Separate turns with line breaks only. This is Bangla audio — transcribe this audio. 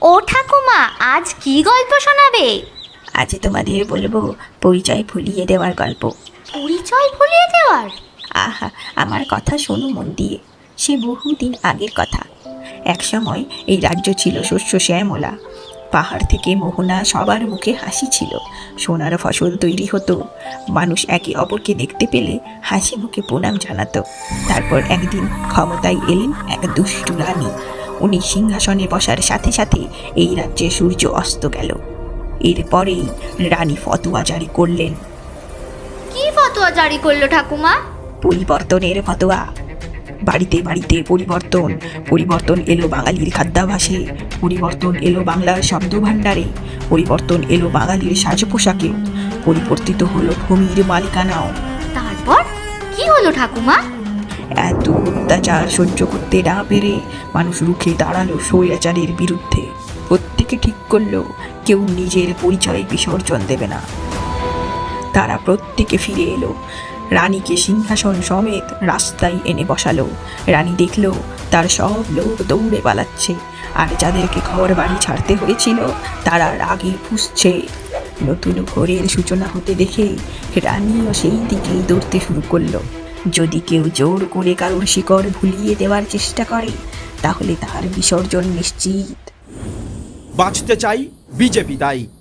ও ঠাকুমা, আজ কি গল্প শোনাবে?
আজ তোমাদের বলবো পরিচয় ভুলিয়ে দেওয়ার গল্প।
পরিচয় ভুলিয়ে দেওয়ার?
আহা, আমার কথা শোনো মন দিয়ে। সে বহুদিন আগের কথা। এক সময় এই রাজ্য ছিল শস্য শ্যামলা। পাহাড় থেকে মোহনা সবার মুখে হাসি ছিল। সোনার ফসল তৈরি হতো। মানুষ একে অপরকে দেখতে পেলে হাসি মুখে প্রণাম জানাতো। তারপর একদিন ক্ষমতায় এলেন এক দুষ্টু রানী। উনি সিংহাসনে বসার সাথে সাথে এই রাজ্যে সূর্য অস্ত গেল। এরপরেই রানী ফতোয়া জারি করলেন।
কি ফতোয়া জারি করলো ঠাকুমা?
পরিবর্তনের ফতোয়া। বাড়িতে বাড়িতে পরিবর্তন। পরিবর্তন এলো বাঙালির খাদ্যাভাসে, পরিবর্তন এলো বাংলার শব্দ ভাণ্ডারে, পরিবর্তন এলো বাঙালির সাজ পোশাকে, পরিবর্তিত হলো ভূমির মালিকানাও।
তারপর কি হলো ঠাকুমা?
এত অত্যাচার সহ্য করতে না পেরে মানুষ রুখে দাঁড়ালো স্বৈরাচারের বিরুদ্ধে। প্রত্যেকে ঠিক করলো কেউ নিজের পরিচয় বিসর্জন দেবে না। তারা প্রত্যেকে ফিরে এলো। রানীকে সিংহাসন সমেত রাস্তায় এনে বসালো। রানী দেখলো তার সব লোক দৌড়ে পালাচ্ছে, আর যাদেরকে ঘর বাড়ি ছাড়তে হয়েছিল তারা রাগে ফুঁসছে। নতুন ঘরের সূচনা হতে দেখে রানীও সেই দিকেই দৌড়তে শুরু করলো। যদি কেউ জোর করে কারোর শিকড় ভুলিয়ে দেওয়ার চেষ্টা করে তাহলে তার বিসর্জন নিশ্চিত।
বাঁচতে চাই বিজেপি তাই।